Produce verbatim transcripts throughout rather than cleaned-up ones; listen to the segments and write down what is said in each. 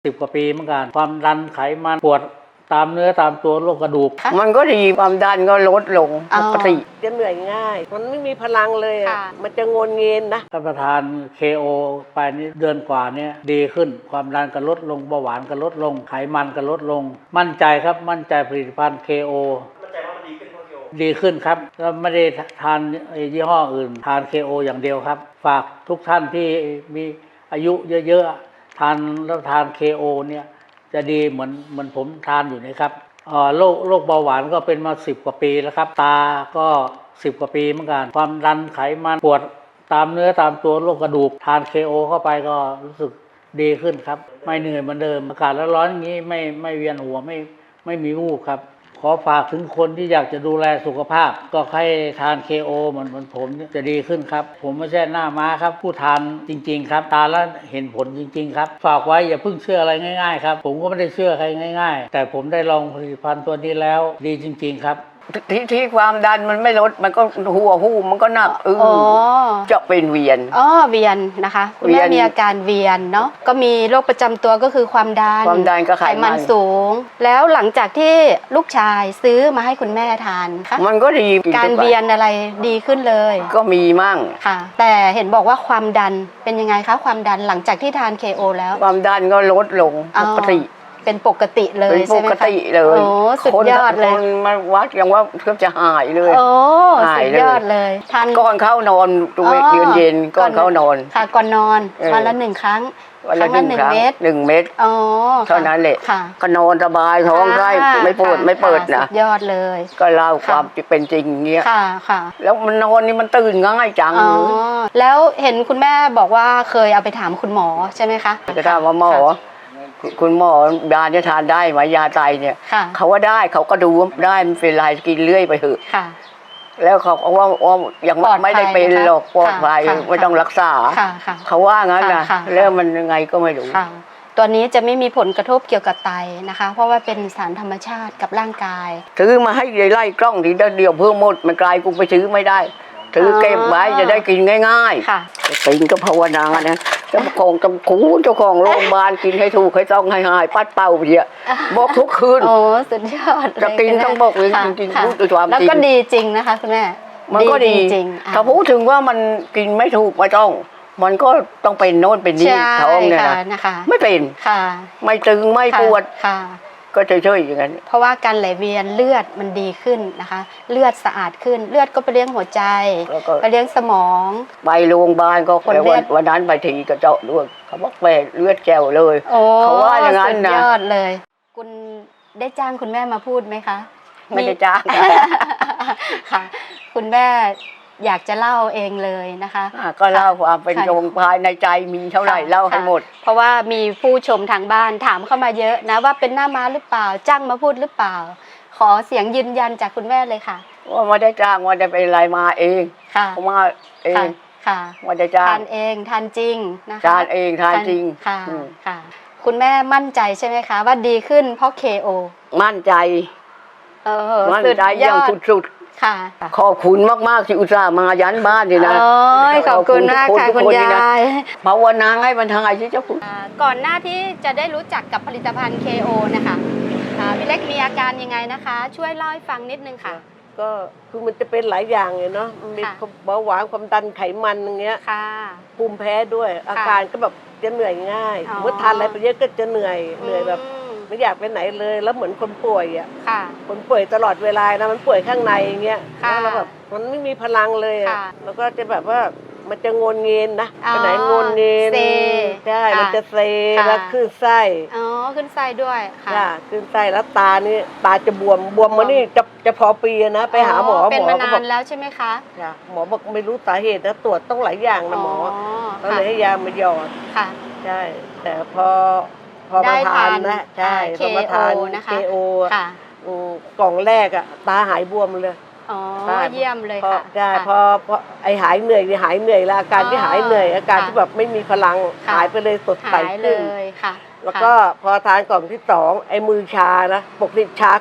สิบกว่าปีเหมือนกันความดันไขมันปวดตามเนื้อตามตัวโรคกระดูกมันก็ดีความดันก็ลดลงปกติจะเหนื่อยง่ายมันไม่มีพลังเลยอ่ะมันจะงนเงินนะถ้าประทาน เค โอ ไปนี่เดือนกว่านี้ดีขึ้นความดันก็ลดลงเบาหวานก็ลดลงไขมันก็ลดลงมั่นใจครับมั่นใจผลิตภัณฑ์ เค โอ มั่นใจว่ามันดีขึ้นเพราะ เค โอ ดีขึ้นครับแล้วไม่ได้ทานยี่ห้ออื่นทาน เค โอ อย่างเดียวครับฝากทุกท่านที่มีอายุเยอะๆทานแล้วทาน เค โอ เนี่ยจะดีเหมือนเหมือนผมทานอยู่นะครับโรคโรคเบาหวานก็เป็นมาสิบกว่าปีแล้วครับตาก็สิบกว่าปีเหมือนกันความดันไขมันปวดตามเนื้อตามตัวโรคกระดูกทาน เค โอ เข้าไปก็รู้สึกดีขึ้นครับไม่เหนื่อยเหมือนเดิมอากาศร้อนๆอย่างนี้ไม่ไม่เวียนหัวไม่ไม่มีวูบครับขอฝากถึงคนที่อยากจะดูแลสุขภาพก็ให้ทาน เค โอ เหมือนเหมือนผมจะดีขึ้นครับผมไม่ใช่หน้าม้าครับผู้ทานจริงๆครับทานแล้วเห็นผลจริงๆครับฝากไว้อย่าเพิ่งเชื่ออะไรง่ายๆครับผมก็ไม่ได้เชื่อใครง่ายๆแต่ผมได้ลองผลิตภัณฑ์ตัวนี้แล้วดีจริงๆครับที่ที่ความดันมันไม่ลดมันก็หัวหูมันก็หนักอึ้งจะเป็นเวียนอ๋อเวียนนะคะคุณแม่มีอาการเวียนเนาะก็มีโรคประจำตัวก็คือความดันความดันก็ไขมันสูงแล้วหลังจากที่ลูกชายซื้อมาให้คุณแม่ทานค่ะมันก็ดีการเวียนอะไรดีขึ้นเลยก็มีมั่งค่ะแต่เห็นบอกว่าความดันเป็นยังไงคะความดันหลังจากที่ทาน เค โอ แล้วความดันก็ลดลงปกติเป็นปกติเลยใช่ไหมคะเป็นปกติเลยโอ้สุดยอดเลยคนมาวัดยังว่าเกือบจะหายเลยโอ้สุดยอดเลยทานก่อนเข้านอนตัวเย็นเย็นก่อนเข้านอนค่ะก่อนนอนวันละหนึ่งครั้งวันละหนึ่งเม็ดหนึ่งเม็ดอ๋อเท่านั้นแหละก็นอนสบายท้องไส้ไม่ปวดไม่เปิดนะสุดยอดเลยก็เล่าความเป็นจริงเงี้ยค่ะค่ะแล้วมันนอนนี่มันตื่นง่ายจังอ๋อแล้วเห็นคุณแม่บอกว่าเคยเอาไปถามคุณหมอใช่ไหมคะจะถามว่าหมอคุณหมอยาจะทานได้ไหมยาไตเนี่ยเขาว่าได้เขาก็ดูได้มันเป็นไรกินเรื่อยไปเถอะแล้วเขาว่าว่ายังไม่ได้เป็นหรอกปลอดภัยไม่ต้องรักษาเขาว่างั้นนะแล้วมันยังไงก็ไม่รู้ตัวนี้จะไม่มีผลกระทบเกี่ยวกับไตนะคะเพราะว่าเป็นสารธรรมชาติกับร่างกายถือมาให้ไล่กล้องทีเดียวเพิ่มหมดมันกลายกูไปซื้อไม่ได้ถือเก็บไว้จะได้กินง่ายๆกินก็ภาวนานะเจ้าของจำคูเจ้าของโรงพยาบาลกินให้ถูกให้ต้องให้หายปัดเป่าเพียบอกทุกคืนโอ้สุดยอดจะกินต้องบอกเลยจริงๆพูดด้วยความจริงแล้วก็ดีจริงนะคะคุณแม่มันก็ดีจริงถ้าพูดถึงว่ามันกินไม่ถูกไม่ต้องมันก็ต้องเป็นโน่นเป็นนี่ท้องเนี่ยนะไม่เป็นไม่ตึงไม่ปวดก็เฉยๆอย่างนั้นเพราะว่าการไหลเวียนเลือดมันดีขึ้นนะคะเลือดสะอาดขึ้นเลือดก็ไปเลี้ยงหัวใจไปเลี้ยงสมองไปโรงพยาบาลก็คนวันนั้นไปทีก็เจาะด้วยเขาบอกแปดเลือดแก้วเลยเขาว่าอย่างนั้นนะสุดยอดเลยคุณได้จ้างคุณแม่มาพูดไหมคะไม่ได้จ้างค่ะคุณแม่อยากจะเล่าเองเลยนะคะก็เล่าความเป็นตรงภายในใจมีเท่าไหร่เล่าให้หมดเพราะว่ามีผู้ชมทางบ้านถามเข้ามาเยอะนะว่าเป็นหน้าม้าหรือเปล่าจ้างมาพูดหรือเปล่าขอเสียงยืนยันจากคุณแม่เลยค่ะว่าไม่ได้จ้างว่าจะเป็นอะไรมาเองค่ะมาเองค่ะว่าจะจ้างทานเองทานจริงนะคะทานเองทานจริงค่ะค่ะคุณแม่มั่นใจใช่ไหมคะว่าดีขึ้นเพราะ เค โอมั่นใจเออมั่นใจอย่างสุดค่ะขอบคุณมากๆที่อุตส่าห์มายันบ้านนี่นะขอบคุณมากค่ะคุณยายภาวนาให้มันทางไอ้ที่เจ้าคุณก่อนหน้าที่จะได้รู้จักกับผลิตภัณฑ์ เค โอ นะคะพี่เล็กมีอาการยังไงนะคะช่วยเล่าให้ฟังนิดนึงค่ะก็คือมันจะเป็นหลายอย่างเลยเนาะมันมีเบาหวานความดันไขมันอย่างเงี้ยภูมิแพ้ด้วยอาการก็แบบจะเหนื่อยง่ายเมื่อทานอะไรไปเยอะก็จะเหนื่อยเหนื่อยแบบไม่อยากไปไหนเลยแล้วเหมือนคนป่วยอ่ะคนป่วยตลอดเวลานะมันป่วยข้างในอย่างเงี้ยแล้วแบบมันไม่มีพลังเลยอ่ะแล้วก็จะแบบว่ามันจะงนเงินนะไปไหนงนเงินใช่มันจะเซแล้วขึ้นไส้อ๋อขึ้นไส้ด้วยค่ะขึ้นไส้แล้วตานี่ตาจะบวมบวมมานี่จะจะพอปีนะไปหาหมอหมอก็บอกแล้วใช่ไหมคะหมอบอกไม่รู้สาเหตุนะตรวจต้องหลายอย่างนะหมอก็เลยให้ยามาหยอดค่ะใช่แต่พอพอมาทานนะใช่พอมาทาน เค โอ กล่องแรกอ่ะตาหายบวมเลยอ๋อเยี่ยมเลยค่ะใช่พอพอไอหายเหนื่อยหายเหนื่อยแล้วอาการที่หายเหนื่อยอาการที่แบบไม่มีพลังหายไปเลยสดใสขึ้นแล้วก็พอทานกล่องที่สองไอมือชานะปกติชาขวาข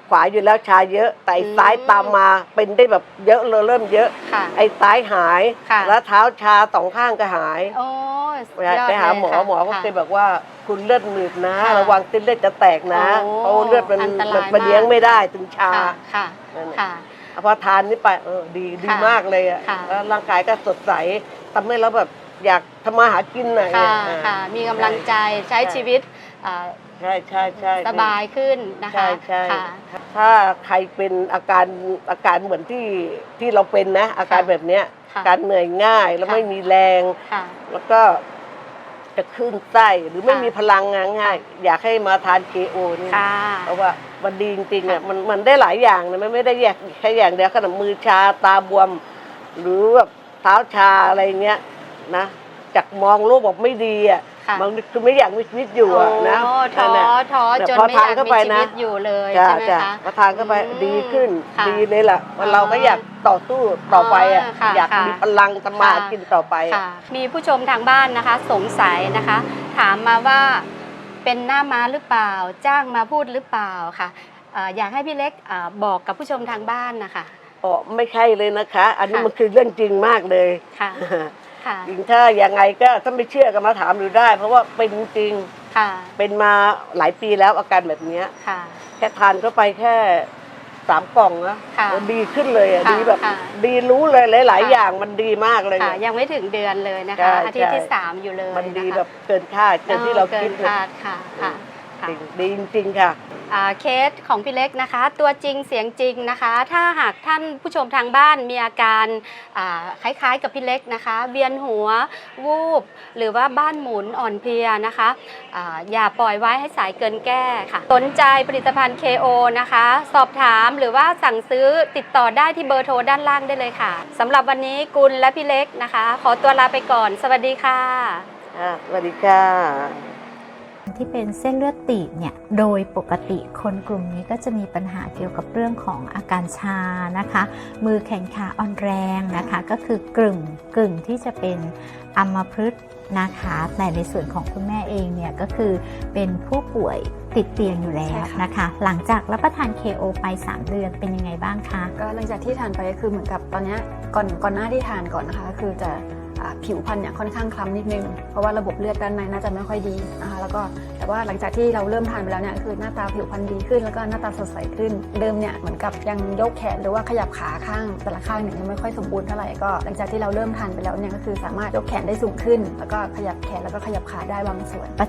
ขวาอยู่แล้วชาเยอะแต่ไอ้ซ้ายตามมาเป็นได้แบบเยอะเลยเริ่มเยอะค่ะไอ้ซ้ายหายค่ะแล้วเท้าชาสองข้างก็หายโอ้สุดยอดไปหาหมอเลยค่ะหมอก็ค่ะเคยบอกว่าคุณเลือดหนืดนะค่ะระวังเส้นเลือดจะแตกนะโอ้เพราะเลือดมันอันตรายมันมันมากเลี้ยงไม่ได้ถึงชาค่ะค่ะนั่นแหละค่ะพอทานนี่ไปเออดีดีค่ะมากเลยอ่ะค่ะแล้วร่างกายก็สดใสทำให้เราแบบอยากทำมาหากินหน่อยค่ะอ่าค่ะ มีกำลังใจใช้ชีวิตอ่าใช่ใช่ใช่สบายขึ้นนะคะใช่ใช่ค่ะถ้าใครเป็นอาการอาการเหมือนที่ที่เราเป็นนะ อาการแบบเนี้ยค่ะการเหนื่อยง่ายแล้วค่ะไม่มีแรงค่ะแล้วก็จะขึ้นไส้หรือไม่ค่ะมีพลังงานง่าย อยากให้มาทาน เค โอ นี่ค่ะเพราะว่ามันดีจริงๆอ่ะค่ะมันมันได้หลายอย่างนะมันไม่ได้แยกแค่อย่างเดียวขนาดมือชาตาบวม หรือแบบเท้าชาอะไรเงี้ยนะจากมองโลกบอกไม่ดีอ่ะค่ะมันคือไม่อยากมีชีวิตอยู่อ่ะนะโอ้ท้อนั่นแหละท้อแต่จนพอไม่อทานยากเข้ามีไปชีนะวิตอยู่เลยจ้ะใช่ไหมจ้ะคะพอทานเข้าไปอืมดีขึ้นค่ะดีเลยล่ะว่าเราก็อยากต่อสู้ต่อไปอ่ะอ๋อค่ะอยากค่ะมีพลังทำมาหาค่ะกินต่อไปอะค่ะ มีผู้ชมทางบ้านนะคะ สงสัยนะคะ ถามมาว่าเป็นหน้าม้าหรือเปล่า จ้างมาพูดหรือเปล่าค่ะเอ่ออยากให้พี่เล็กเอ่อบอกกับผู้ชมทางบ้านนะคะอ๋อไม่ใช่เลยนะคะ อันนี้ค่ะมันคือเรื่องจริงมากเลยค่ะค่ะจริงถ้ายังไงก็ถ้าไม่เชื่อก็มาถามดูได้ เพราะว่าเป็นจริงค่ะเป็นมาหลายปีแล้วอาการแบบเนี้ยค่ะแค่ทานเข้าไปแค่สามกล่องนะค่ะดีขึ้นเลยอ่ะค่ะดีแบบค่ะดีรู้เลยหลาย ๆค่ะอย่างมันดีมากเลยค่ะเนี่ยยังไม่ถึงเดือนเลยนะใช่คะ อาทิตย์ที่ใช่สามอยู่เลยมันดีนะคะแบบเกินคาดเกินที่เราคิดเกินเลยคาดค่ะค่ะค่ะจริงดีจริงๆค่ะอ่าเคสของพี่เล็กนะคะ ตัวจริงเสียงจริงนะคะ ถ้าหากท่านผู้ชมทางบ้านมีอาการอ่าคล้ายๆกับพี่เล็กนะคะ เวียนหัววูบหรือว่าบ้านหมุนอ่อนเพลียนะคะอ่าอย่าปล่อยไว้ให้สายเกินแก้ค่ะสนใจผลิตภัณฑ์ เค โอ นะคะ สอบถามหรือว่าสั่งซื้อติดต่อได้ที่เบอร์โทรด้านล่างได้เลยค่ะสำหรับวันนี้กุลและพี่เล็กนะคะ ขอตัวลาไปก่อนสวัสดีค่ะอ่าสวัสดีค่ะที่เป็นเส้นเลือดตีบเนี่ยโดยปกติคนกลุ่มนี้ก็จะมีปัญหาเกี่ยวกับเรื่องของอาการชานะคะ มือแขนขาอ่อนแรงนะคะก็คือกึ่งกึ่งที่จะเป็นอัมพฤกษ์นะคะแต่ในส่วนของคุณแม่เองเนี่ยก็คือเป็นผู้ป่วยติดเตียงอยู่แล้วนะคะ หลังจากรับประทาน เค โอ ไปสามเดือนเป็นยังไงบ้างคะก็หลังจากที่ทานไปก็คือเหมือนกับตอนเนี้ยก่อนก่อนหน้าที่ทานก่อนนะคะก็คือจะอ่าผิวพรรณเนี่ยค่อนข้างคล้ำนิดนึงเพราะว่าระบบเลือดด้านในน่าจะไม่ค่อยดีนะคะแล้วก็แต่ว่าหลังจากที่เราเริ่มทานไปแล้วเนี่ยคือหน้าตาผิวพรรณดีขึ้นแล้วก็หน้าตาสดใสขึ้นเดิมเนี่ยเหมือนกับยังยกแขนหรือว่าขยับขาข้างแต่ละข้างเนี่ยยังไม่ค่อยสมบูรณ์เท่าไหร่ก็หลังจากที่เราเริ่มทานไปแล้วเนี่ยก็คือสามารถยกแขนได้สูงขึ้น แล้วก็ขยับแขนแล้วก็ขยับขาได้บางส่วน